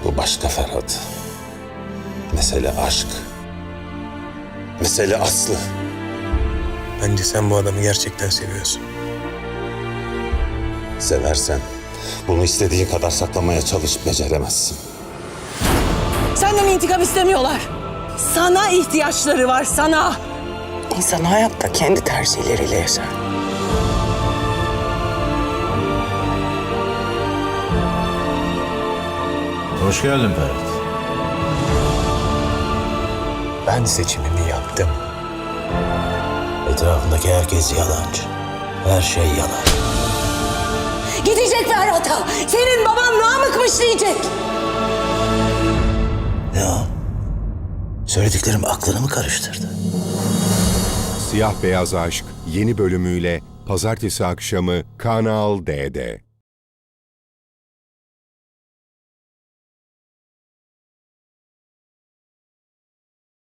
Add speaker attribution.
Speaker 1: Bu başka Ferhat. Mesele aşk. Mesele Aslı.
Speaker 2: Bence sen bu adamı gerçekten seviyorsun.
Speaker 1: Seversen bunu istediğin kadar saklamaya çalışıp beceremezsin.
Speaker 3: Senden intikam istemiyorlar. Sana ihtiyaçları var, sana.
Speaker 4: İnsan hayatta kendi tercihleriyle yaşar.
Speaker 5: Hoş geldin Ferhat.
Speaker 2: Ben seçimimi yaptım.
Speaker 5: Etrafındaki herkes yalancı. Her şey yalan.
Speaker 3: Gidecek Ferhat'a. Senin baban Namık'mış diyecek.
Speaker 5: Ya, söylediklerim aklını mı karıştırdı?
Speaker 6: Siyah Beyaz Aşk yeni bölümüyle Pazartesi akşamı Kanal D'de.